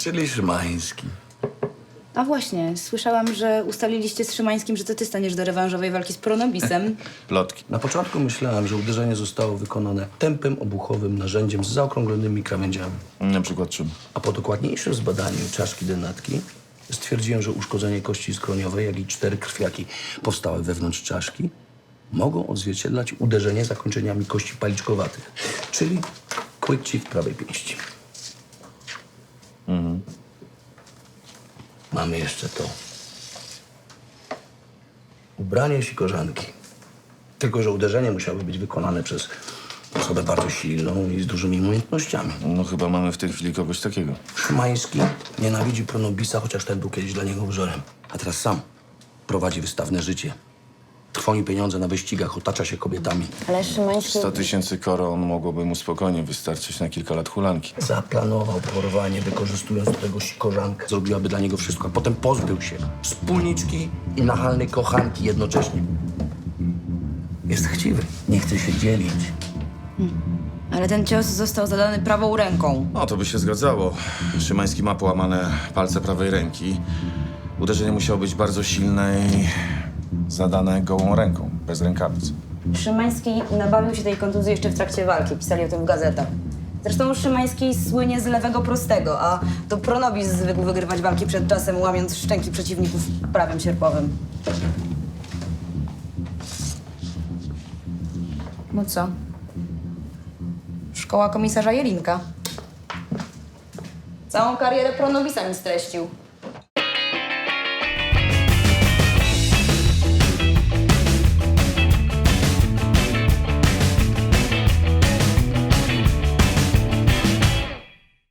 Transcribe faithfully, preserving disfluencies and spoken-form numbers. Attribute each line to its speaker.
Speaker 1: Czyli Szymański.
Speaker 2: A właśnie, słyszałam, że ustaliliście z Szymańskim, że to ty staniesz do rewanżowej walki z Pronobisem.
Speaker 3: Plotki.
Speaker 1: Na początku myślałem, że uderzenie zostało wykonane tępym, obuchowym narzędziem z zaokrąglonymi krawędziami.
Speaker 3: Na przykład czym?
Speaker 1: A po dokładniejszym zbadaniu czaszki denatki stwierdziłem, że uszkodzenie kości skroniowej, jak i cztery krwiaki powstałe wewnątrz czaszki mogą odzwierciedlać uderzenie zakończeniami kości paliczkowatych, czyli kłykci w prawej pięści.
Speaker 3: Mhm.
Speaker 1: Mamy jeszcze to. Ubranie sikorzanki. Tylko że uderzenie musiało być wykonane przez osobę bardzo silną i z dużymi umiejętnościami.
Speaker 3: No chyba mamy w tej chwili kogoś takiego.
Speaker 1: Szymański nienawidzi Pronobisa, chociaż ten był kiedyś dla niego wzorem. A teraz sam prowadzi wystawne życie. Trwoni pieniądze na wyścigach, otacza się kobietami.
Speaker 2: Ale Szymański...
Speaker 3: sto tysięcy koron mogłoby mu spokojnie wystarczyć na kilka lat hulanki.
Speaker 1: Zaplanował porwanie, wykorzystując do tego sikorzankę. Zrobiłaby dla niego wszystko, a potem pozbył się wspólniczki i nachalnej kochanki jednocześnie. Jest chciwy, nie chce się dzielić.
Speaker 2: Ale ten cios został zadany prawą ręką.
Speaker 3: No, to by się zgadzało. Szymański ma połamane palce prawej ręki. Uderzenie musiało być bardzo silne i zadane gołą ręką, bez rękawic.
Speaker 2: Szymański nabawił się tej kontuzji jeszcze w trakcie walki. Pisali o tym w gazetach. Zresztą Szymański słynie z lewego prostego, a to Pronobis zwykł wygrywać walki przed czasem, łamiąc szczęki przeciwników prawem sierpowym. No co? Szkoła komisarza Jelinka. Całą karierę Pronobisa mi streścił.